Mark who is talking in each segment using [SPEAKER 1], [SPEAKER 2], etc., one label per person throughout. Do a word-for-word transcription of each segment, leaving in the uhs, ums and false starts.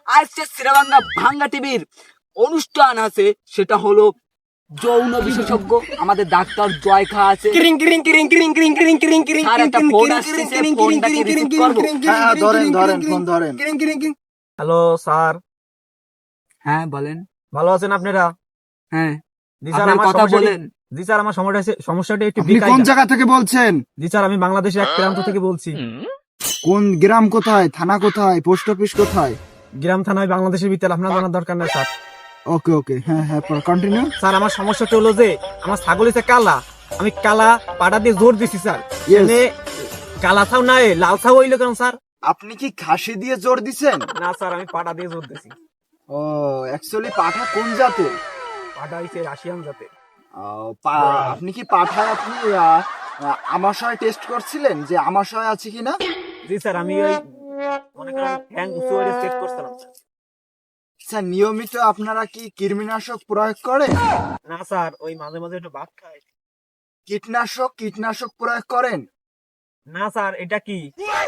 [SPEAKER 1] আজকে শ্রীবাংলা ভাঙ্গা টিভির অনুষ্ঠান আছে, সেটা হলো যৌন বিশেষজ্ঞ আমাদের ডাক্তার জয় খা আছে।
[SPEAKER 2] কিরিং কিরিং কিরিং কিরিং কিরিং কিরিং কিরিং কিরিং
[SPEAKER 1] স্যার, একটা ফোন আসছে, ফোনটা কি রিসিভ করবো?
[SPEAKER 3] হ্যাঁ ধরেন ধরেন ফোন ধরেন।
[SPEAKER 2] হ্যালো স্যার,
[SPEAKER 1] হ্যাঁ বলেন।
[SPEAKER 2] ভালো আছেন আপনারা?
[SPEAKER 1] হ্যাঁ,
[SPEAKER 2] জি স্যার,
[SPEAKER 1] আপনার
[SPEAKER 2] আমার
[SPEAKER 1] কথা
[SPEAKER 2] সমস্যাটি
[SPEAKER 1] বলেন।
[SPEAKER 2] জি স্যার আমার সমস্যা সমস্যাটা একটু
[SPEAKER 3] আপনি কোন জায়গা থেকে বলছেন?
[SPEAKER 2] জি স্যার, আমি বাংলাদেশের এক প্রান্ত থেকে বলছি।
[SPEAKER 3] কোন গ্রাম কোথায়, থানা কোথায়, পোস্ট অফিস কোথায়?
[SPEAKER 2] গ্রাম থানায় বাংলাদেশের ভিতরে, আপনার জানার দরকার নেই স্যার।
[SPEAKER 3] ওকে ওকে, হ্যাঁ হ্যাঁ কন্টিনিউ।
[SPEAKER 2] স্যার, আমার সমস্যাটা হলো যে আমার ছাগল হচ্ছে কালা, আমি কালা পাটা দিয়ে জোর দিছি স্যার।
[SPEAKER 3] Yes.
[SPEAKER 2] এনে কালা ছাও না এ, লাল ছাও হইলো কেন স্যার?
[SPEAKER 3] আপনি কি খাসি দিয়ে জোর দিছেন?
[SPEAKER 2] না স্যার, আমি পাটা দিয়ে জোর দিছি।
[SPEAKER 3] ও অ্যাকচুয়ালি পাঠা কোন জাতের?
[SPEAKER 2] পাটা হইছে রাশিয়ান জাতের।
[SPEAKER 3] আহ, পা- আপনি কি পাঠায় আপনি আহ, আহ, আমাশয় টেস্ট করছিলেন যে আমাশয় আছে কিনা?
[SPEAKER 2] জি স্যার, আমি ওই মনে করেন হ্যাং উঁচু করে চেক করছিলাম স্যার।
[SPEAKER 3] স্যার নিয়মিত আপনারা কি কীটনাশক প্রয়োগ করেন?
[SPEAKER 2] না স্যার, ওই মাঝে মাঝে একটু ভাত খাই।
[SPEAKER 3] কীটনাশক কীটনাশক প্রয়োগ করেন?
[SPEAKER 2] না স্যার, এটা কি?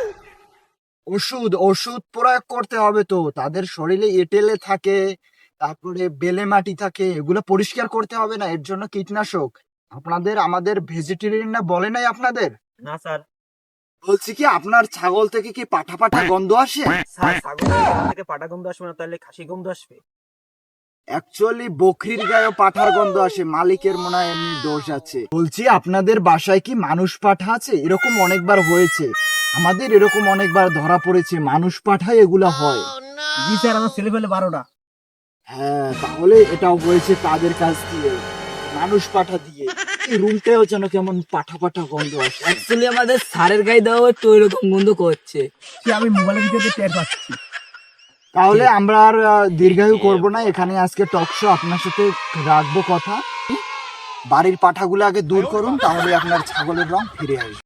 [SPEAKER 3] ওষুধ ওষুধ প্রয়োগ করতে হবে তো, তাদের শরীরে এঁটেলে থাকে, তারপরে বেলে মাটি থাকে, এগুলো পরিষ্কার করতে হবে না? এর জন্য কীটনাশক। আপনাদের আমাদের ভেজিটেরিয়ান না বলে নাই আপনাদের?
[SPEAKER 2] না স্যার।
[SPEAKER 3] বলছি কি আপনার ছাগল থেকে কি পাঠা পাঠা গন্ধ আসে?
[SPEAKER 2] স্যার, ছাগলের গা থেকে পাটা গন্ধ আসবে না, তাহলে খাসি গন্ধ আসবে।
[SPEAKER 3] অ্যাকচুয়ালি বকরির গায়েও পাঠার গন্ধ আসে, মালিকের মনে হয় এমনি দোষ আছে। বলছি আপনাদের বাসায় কি মানুষ পাঠা আছে? এরকম অনেকবার হয়েছে, আমাদের এরকম অনেকবার ধরা পড়েছে মানুষ পাঠায় এগুলা হয়।
[SPEAKER 2] জি স্যার, আমার ছেলে পেলে বারোটা।
[SPEAKER 3] হ্যাঁ তাহলে এটাও হয়েছে তাদের কাছ দিয়ে, মানুষ পাঠা দিয়ে। এই রুমটাও যেন কেমন পাঠা পাঠা গন্ধ আসে।
[SPEAKER 1] অ্যাকচুয়ালি আমাদের স্যারের গায়ে দেওয়া একটু ওইরকম বন্ধ করছে।
[SPEAKER 2] সে আমি মোবাইলের ভিতরে টের পাচ্ছি।
[SPEAKER 3] তাহলে আমরা আর আহ, দীর্ঘায়ু করব না, এখানে আজকে টক শো আপনার সাথে রাখবো কথা। বাড়ির পাঠাগুলো আগে দূর করুন, তাহলে আপনার ছাগলের রং ফিরে আসবে।